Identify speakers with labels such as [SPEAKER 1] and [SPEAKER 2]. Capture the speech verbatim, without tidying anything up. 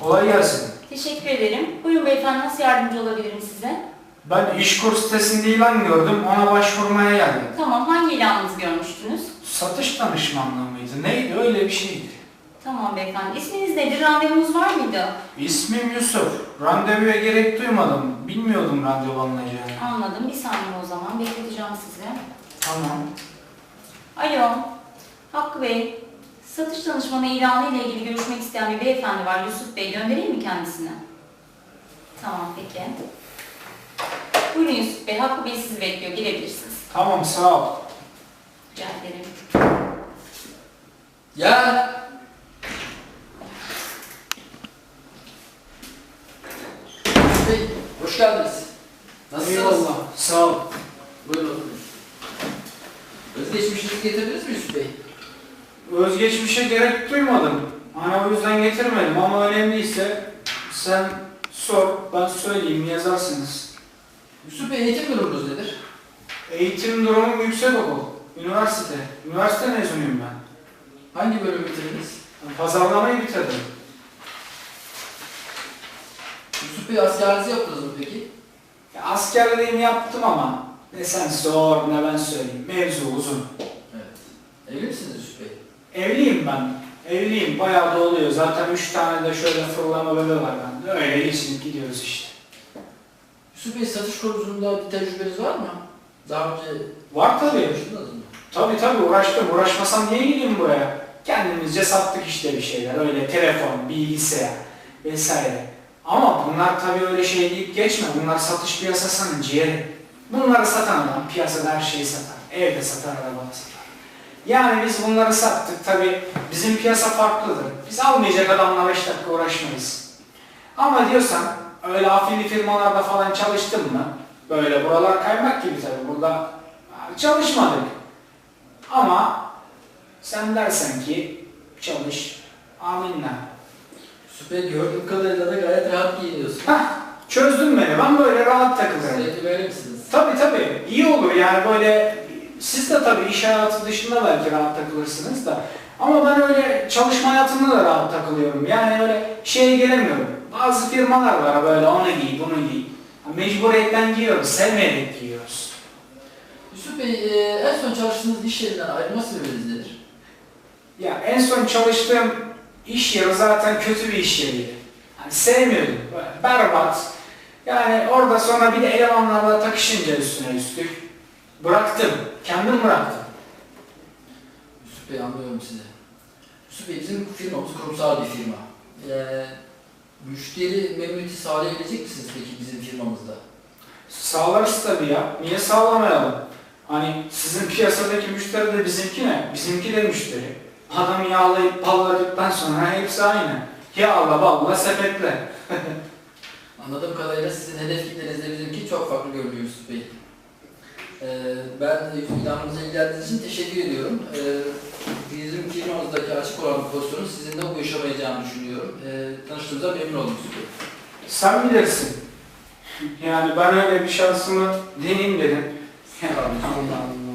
[SPEAKER 1] Kolay gelsin.
[SPEAKER 2] Teşekkür ederim. Buyurun beyefendi, nasıl yardımcı olabilirim size?
[SPEAKER 1] Ben işkur sitesinde ilan gördüm, ona başvurmaya geldim.
[SPEAKER 2] Tamam, hangi ilanınızı görmüştünüz?
[SPEAKER 1] Satış danışmanlığı mıydı? Neydi? Öyle bir şeydi.
[SPEAKER 2] Tamam beyefendi. İsminiz nedir? Randevunuz var mıydı?
[SPEAKER 1] İsmim Yusuf. Randevuya gerek duymadım. Bilmiyordum randevu alınacağını.
[SPEAKER 2] Anladım. Bir saniye o zaman. Bekleteceğim sizi.
[SPEAKER 1] Tamam.
[SPEAKER 2] Alo. Hakkı Bey. Satış danışmanı ilanı ile ilgili görüşmek isteyen bir beyefendi var. Yusuf Bey. Göndereyim mi kendisine? Tamam, peki. Buyurun Yusuf Bey. Hakkı Bey sizi bekliyor. Girebilirsiniz.
[SPEAKER 1] Tamam, sağ ol.
[SPEAKER 2] Rica ederim.
[SPEAKER 3] Ya. Bey, hoş geldiniz. Nasılsınız?
[SPEAKER 1] Eyvallah, sağ ol.
[SPEAKER 3] Buyurun oturun. Özgeçmişinizi getirdiniz mi Yusuf Bey?
[SPEAKER 1] Özgeçmişe gerek duymadım. Hani o yüzden getirmedim ama önemliyse sen sor, ben söyleyeyim, yazarsınız.
[SPEAKER 3] Yusuf Bey, eğitim durumunuz nedir?
[SPEAKER 1] Eğitim durumum yüksek okul, üniversite. Üniversite mezunuyum ben.
[SPEAKER 3] Hangi bölüm bitirdiniz?
[SPEAKER 1] Pazarlamayı bitirdim.
[SPEAKER 3] Yusuf Bey, askerinizi yaptınız mı peki?
[SPEAKER 1] Ya, askerliğimi yaptım ama ne sen sor ne ben söyleyeyim. Mevzu uzun.
[SPEAKER 3] Evet. Evli misiniz Yusuf Bey?
[SPEAKER 1] Evliyim ben. Evliyim. Bayağı da oluyor. Zaten üç tane de şöyle fırlama bebe var bende. Öyle geçinip gidiyoruz işte.
[SPEAKER 3] Yusuf Bey, satış konusunda bir tecrübeniz var mı? Daha önce
[SPEAKER 1] Var tabii.
[SPEAKER 3] çalıştınız mı?
[SPEAKER 1] Tabii tabii uğraştım. Uğraşmasam niye gideyim buraya? Kendimizce sattık işte bir şeyler. Öyle telefon, bilgisayar vesaire. Ama bunlar tabii öyle şey deyip geçme. Bunlar satış piyasasının ciğeri. Bunları satan adam piyasada her şeyi satar. Evde satar, arabada satar. Yani biz bunları sattık. Tabii bizim piyasa farklıdır. Biz almayacak adamla beş dakika uğraşmayız. Ama diyorsan öyle afilli firmalarda falan çalıştın mı? Böyle buralar kaymak gibi tabii. Burada çalışmadık. Ama sen dersen ki çalış, aminle.
[SPEAKER 3] Yusuf Bey, gördüğüm kadarıyla da gayet rahat giyiniyorsunuz.
[SPEAKER 1] Hah, çözdün beni. Ben böyle rahat takılırım.
[SPEAKER 3] Sürekli böyle misiniz?
[SPEAKER 1] Tabii tabii. İyi olur yani böyle, siz de tabii iş hayatı dışında belki rahat takılırsınız da. Ama ben öyle çalışma hayatında da rahat takılıyorum. Yani öyle şeye gelemiyorum. Bazı firmalar var böyle, onu giy, bunu giy. Mecburiyetten giyiyoruz, sevmeyerek giyiyoruz.
[SPEAKER 3] Yusuf Bey, e, en son çalıştığınız iş yerinden ayrılma sebebiniz nedir?
[SPEAKER 1] Ya en son çalıştığım iş yeri zaten kötü bir iş yeriydi. Yani sevmiyordum. Böyle berbat. Yani orada sonra bir de elemanlarla takışınca üstüne üstlük bıraktım. Kendim bıraktım.
[SPEAKER 3] Yusuf Bey, anlıyorum sizi. Yusuf Bey, bizim firmamız kurumsal bir firma. Ee, müşteri memnuniyeti sağlayabilecek misiniz peki bizim firmamızda?
[SPEAKER 1] Sağlarız tabii ya. Niye sağlamayalım? Hani sizin piyasadaki müşteri de bizimki ne? Bizimki de müşteri. Adam yağlayıp palladıktan sonra hepsi aynı. Yağla, balla, sepetle.
[SPEAKER 3] Anladığım kadarıyla sizin hedef kitlenizle bizimki çok farklı görünüyor Yusuf Bey. Ee, ben ilanımıza ilgilendiğiniz için teşekkür ediyorum. Ee, bizim firmamızdaki açık olan bir pozisyonun sizinle uyuşamayacağını düşünüyorum. Ee, tanıştığımıza memnun oldum Yusuf Bey.
[SPEAKER 1] Sen bilirsin. Yani ben öyle bir şansımı deneyeyim dedim.
[SPEAKER 3] Sağ olun.
[SPEAKER 1] Allah Allah.